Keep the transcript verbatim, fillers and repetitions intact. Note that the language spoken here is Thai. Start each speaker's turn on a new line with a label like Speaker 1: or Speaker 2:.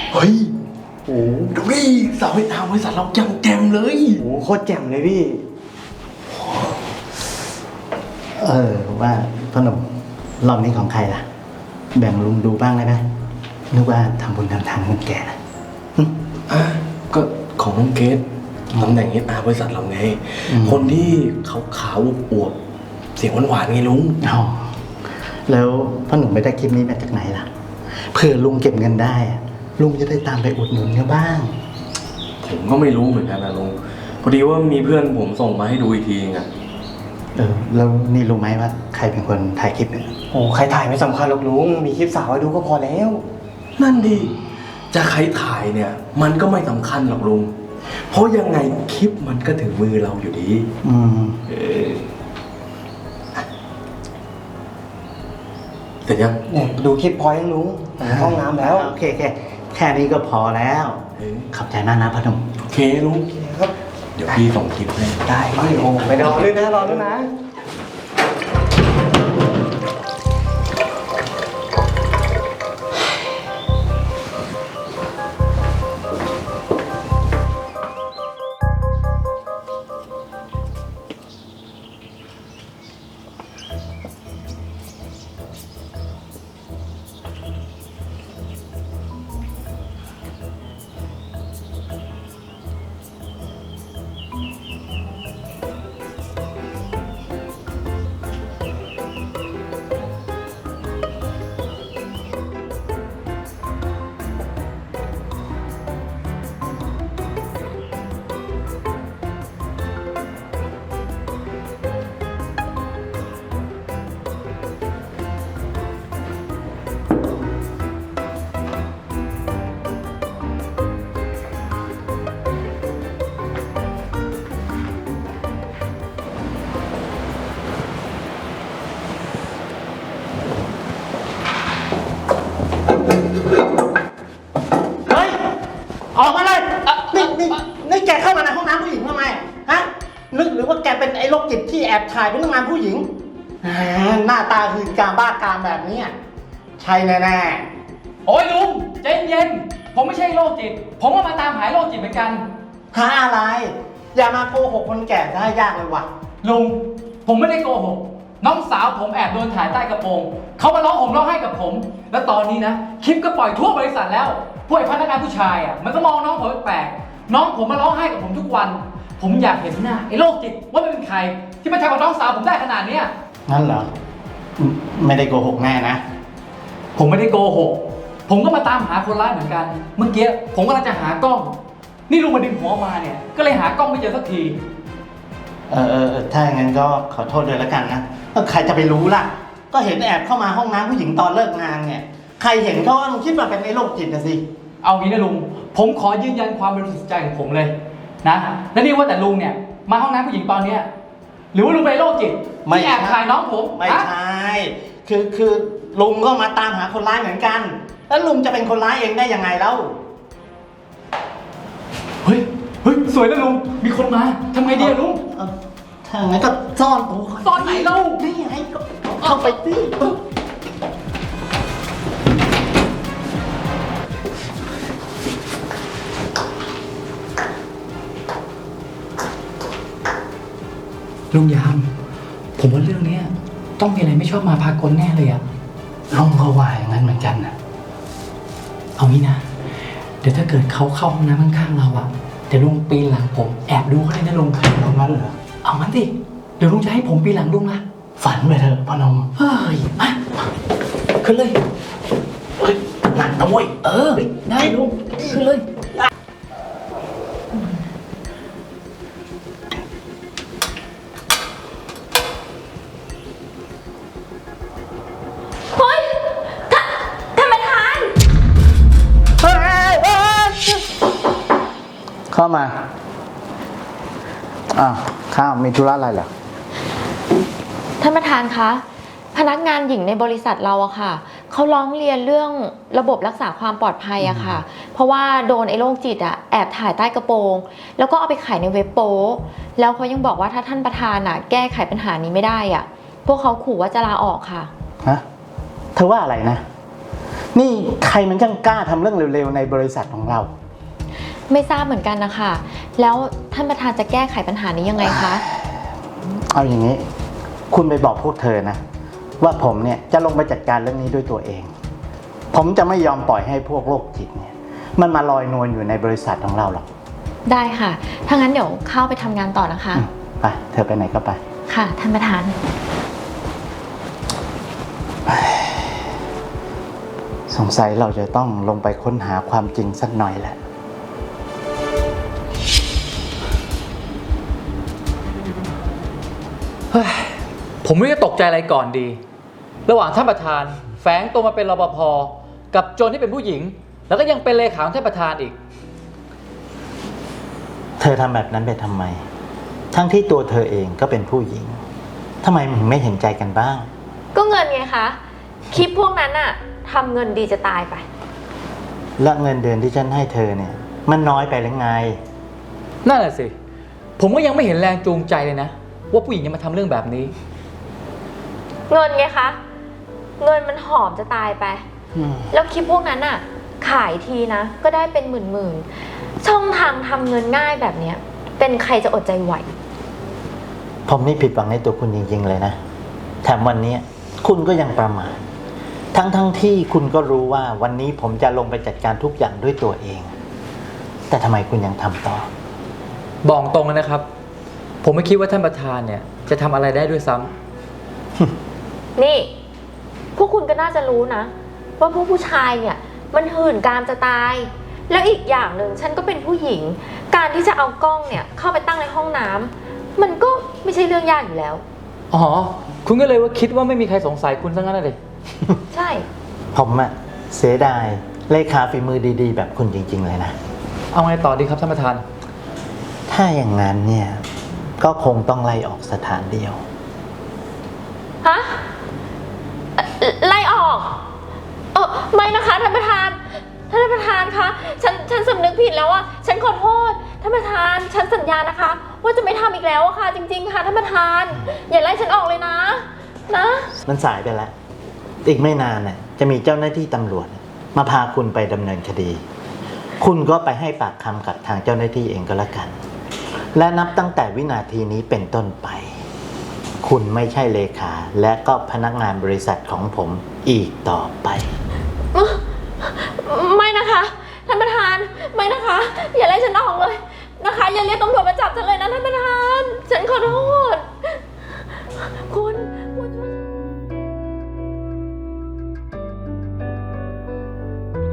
Speaker 1: เฮ้ยโอ้ดูดิสาวเวทาบริษัทเราจังแจมเลย
Speaker 2: โอ้โคตรแจ่มเลยพี่เออว่าพ่อหนุ่มรอบนี้ของใครล่ะแบ่งลุงดูบ้างได้ไหมนึกว่าทำบุญทำทานคนแก่นะ
Speaker 1: อ่ะก็ของน้องเกดตำแหน่งเอสอาร์บริษัทเราไงคนที่ขาวขาวอวบเสียงหวานๆไงลุง
Speaker 2: อ๋อแล้วพ่อหนุ่มไปได้คลิปนี้มาจากไหนล่ะเผื่อลุงเก็บเงินได้ลุงจะได้ตามไปอุดหนุนเขาบ้าง
Speaker 1: ผมก็ไม่รู้เหมือนกันนะลุงพอดีว่ามีเพื่อนผมส่งมาให้ดูอีกทีอ่ะ
Speaker 2: เออแล้วนี่รู้ไหมว่าใครเป็นคนถ่ายคลิปเนี่ย
Speaker 3: โอ้ใครถ่ายไม่สำคัญหรอกลุงมีคลิปสาวให้ดูก็พอแล้ว
Speaker 1: นั่นดิจะใครถ่ายเนี่ยมันก็ไม่สำคัญหรอกลุงเพราะยังไงคลิปมันก็ถึงมือเราอยู่ดี
Speaker 2: อืมเออ
Speaker 1: เสร็จยัง
Speaker 3: เนี่ยดูคลิปพอยังลุงห้องน้ำแล้ว
Speaker 2: โอเคโอเคแค่นี้ก็พอแล้วขอบใจมากนะพ่อหนุ่ม
Speaker 1: โอเคลุงครับเดี๋ยวพี่ส่งคลิปให้
Speaker 3: ได้ไม่โอ้ไม่รอด้วยนะรอด้วยนะ
Speaker 2: ออกมาเลยนี่นี่นี่แกเข้ามาในห้องน้ำผู้หญิงทำไมฮะนึกหรือว่าแกเป็นไอ้โรคจิตที่แอบถ่ายพนักงานผู้หญิงหน้าตาคือการบ้ากามแบบนี้ใช่แน่
Speaker 4: ๆโอ้ยลุงใจเย็นผมไม่ใช่โรคจิตผมก็มาตามหาโรคจิตเหมือนกัน
Speaker 2: หาอะไรอย่ามาโกหกคนแก่ได้ยากเลยว่ะ
Speaker 4: ลุงผมไม่ได้โกหกน้องสาวผมแอบโดนถ่ายใต้กระโปรงเขามาร้องห่มร้องไห้กับผมแล้วตอนนี้นะคลิปก็ปล่อยทั่วบริษัทแล้วพวกพนักงานผู้ชายอ่ะมันก็มองน้องผมแปลกน้องผมมาร้องไห้กับผมทุกวันผมอยากเห็นหน้าไอ้โรคจิตว่ามันเป็นใครที่มาทำกับน้องสาวผมได้ขนาดนี้
Speaker 2: นั่นเหรอไม่ได้โกหกแน่นะ
Speaker 4: ผมไม่ได้โกหกผมก็มาตามหาคนร้ายเหมือนกันเมื่อกี้ผมกำลังจะหากล้องนี่ลุงมาดึงหัวมาเนี่ยก็เลยหากล้องไม่เจอสักที
Speaker 2: เออเออถ้าอย่างนั้นก็ขอโทษด้วยแล้วกันนะใครจะไปรู้ล่ะก็เห็นแอบเข้ามาห้องน้ำผู้หญิงตอนเลิกงานเนี่ยใครเห็นก็คิดว่าเป็นไอ้โรคจิตนะสิ
Speaker 4: เอางี้นะลุงผมขอยืนยันความบริสุทธิ์ใจของผมเลยนะและนี่ว่าแต่ลุงเนี่ยมาห้องน้ำผู้หญิงตอนเนี้ยหรือว่าลุงเป็นโรคจิตที่แอบถ่ายน้องผม
Speaker 2: ไม่ใช่คือคือลุงก็มาตามหาคนร้ายเหมือนกันแล้วลุงจะเป็นคนร้ายเองได้ยังไงเล่า
Speaker 4: เฮ้ยเฮ้ยสวยนะลุงมีคนมาทำไงดีอะลุง
Speaker 2: ถ้างั้นก็ซ่อนตัว
Speaker 4: ซ่อนไหนเล่า
Speaker 2: นี่ไงเข้าไปสิ
Speaker 4: ลุงยามผมว่าเรื่องนี้ต้องมีอะไรไม่ชอบมาพากลแน่เลยอะ
Speaker 2: ลุงก็ว่าอย่างนั้นเหมือนกันนะ
Speaker 4: เอางี้นะเดี๋ยวถ้าเกิดเขาเข้าห้องน้ำข้างๆเราอะเดี๋ยวลุงปีนหลังผมแอบดูเขาเลยนะลุง
Speaker 2: เอางั้นเหรอ
Speaker 4: เอางั้นสิเดี๋ยวลุงจะให้ผมปีนหลังลุงนะ
Speaker 2: ฝันไปเถอะพ่อนม
Speaker 4: เฮ้ยมาขึ้นเลย
Speaker 2: เฮ้ยหนักนะเว้ย
Speaker 4: เออได้ลุงขึ้นเลย
Speaker 2: เข้ามาอ้าวข้าวมีธุระอะไรเหรอ
Speaker 5: ท่านประธานคะพนักงานหญิงในบริษัทเราอะค่ะเขาร้องเรียนเรื่องระบบรักษาความปลอดภัยอะค่ะเพราะว่าโดนไอ้โรคจิตอะแอบถ่ายใต้กระโปรงแล้วก็เอาไปขายในเว็บโป๊แล้วเขายังบอกว่าถ้าท่านประธานอะแก้ไขปัญหานี้ไม่ได้อะพวกเขาขู่ว่าจะลาออกค่ะ
Speaker 2: ฮะเธอว่าอะไรนะนี่ใครมันช่างกล้าทำเรื่องเร็วๆในบริษัทของเรา
Speaker 5: ไม่ทราบเหมือนกันนะคะ แล้วท่านประธานจะแก้ไขปัญหานี้ยังไงคะ
Speaker 2: เอาอย่างนี้ คุณไปบอกพวกเธอนะ ว่าผมเนี่ยจะลงไปจัดการเรื่องนี้ด้วยตัวเอง ผมจะไม่ยอมปล่อยให้พวกโรคจิตเนี่ยมันมาลอยนวลอยู่ในบริษัทของเราหรอก
Speaker 5: ได้ค่ะ ถ้างั้นเดี๋ยวเข้าไปทำงานต่อนะคะ
Speaker 2: อืมไปเธอไปไหนก็ไป
Speaker 5: ค่ะ ท่านประธาน
Speaker 2: สงสัยเราจะต้องลงไปค้นหาความจริงสักหน่อยแหละ
Speaker 4: เฮ้ยผมไม่รู้จะตกใจอะไรก่อนดี ระหว่างท่านประธานแฝงตัวมาเป็นรปภกับโจรที่เป็นผู้หญิง แล้วก็ยังเป็นเลขาของท่านประธานอีก
Speaker 2: เธอทำแบบนั้นไปทำไม ทั้งที่ตัวเธอเองก็เป็นผู้หญิงทำไมมึงไม่เห็นใจกันบ้าง
Speaker 5: ก็เงินไงคะ คลิปพวกนั้นอะทำเงินดีจะตายไป
Speaker 2: และเงินเดือนที่ฉันให้เธอเนี่ย มันน้อยไปหรือไง
Speaker 4: นั่นแหละสิ ผมก็ยังไม่เห็นแรงจูงใจเลยนะ ว่าผู้หญิงจะมาทำเรื่องแบบนี้
Speaker 5: เงินไงคะ เงินมันหอมจะตายไป แล้วคลิปพวกนั้นอะขายทีนะ ก็ได้เป็นหมื่นๆ ช่องทางทำเงินง่ายแบบเนี้ย เป็นใครจะอดใจไหว
Speaker 2: ผมนี่ผิดหวังในตัวคุณจริงๆเลยนะ แถมวันนี้คุณก็ยังประมาท ทั้งๆ ทที่คุณก็รู้ว่าวันนี้ผมจะลงไปจัดการทุกอย่างด้วยตัวเอง แต่ทำไมคุณยังทำต่อ
Speaker 4: บอกตรงเลยนะครับ ผมไม่คิดว่าท่านประธานเนี่ยจะทำอะไรได้ด้วยซ้ำ
Speaker 5: นี่ พวกคุณก็น่าจะรู้นะ ว่าพวกผู้ชายเนี่ย มันหื่นกามจะตาย แล้วอีกอย่างหนึ่งฉันก็เป็นผู้หญิง การที่จะเอากล้องเนี่ยเข้าไปตั้งในห้องน้ำมันก็ไม่ใช่เรื่องยากอยู่แล้ว
Speaker 4: อ๋อ คุณก็เลยว่าคิดว่าไม่มีใครสงสัยคุณซะงั้นเลย
Speaker 5: ใช่
Speaker 2: ผมอะเสียดายเลขาฝีมือดีๆ แบบคุณจริงๆเลยนะ
Speaker 4: เอาไงต่อดีครับท่านประธาน
Speaker 2: ถ้าอย่างนั้นเนี่ย ก็คงต้องไล่ออกสถานเดียว
Speaker 5: ฮะเอ่อไล่ออก เออไม่นะคะท่านประธาน ท่านประธานคะ ฉัน ฉันสำนึกผิดแล้วอะฉันขอโทษ ท่านประธาน ฉันสัญญานะคะ ว่าจะไม่ทำอีกแล้วอะค่ะ จริง ๆ ค่ะท่านประธาน อย่าไล่ฉันออกเลยนะ นะ
Speaker 2: มันสายไปแล้ว อีกไม่นานน่ะจะมีเจ้าหน้าที่ตำรวจมาพาคุณไปดำเนินคดี คุณก็ไปให้ปากคำกับทางเจ้าหน้าที่เองก็แล้วกัน และนับตั้งแต่วินาทีนี้เป็นต้นไป คุณไม่ใช่เลขาและก็พนักงานบริษัทของผมอีกต่อไป
Speaker 5: ไม่นะคะ ท่านประธาน ไม่นะคะ อย่าไล่ฉันออกเลยนะคะ อย่าเรียกตำรวจมาจับฉันเลยนะท่านประธาน ฉันขอโทษ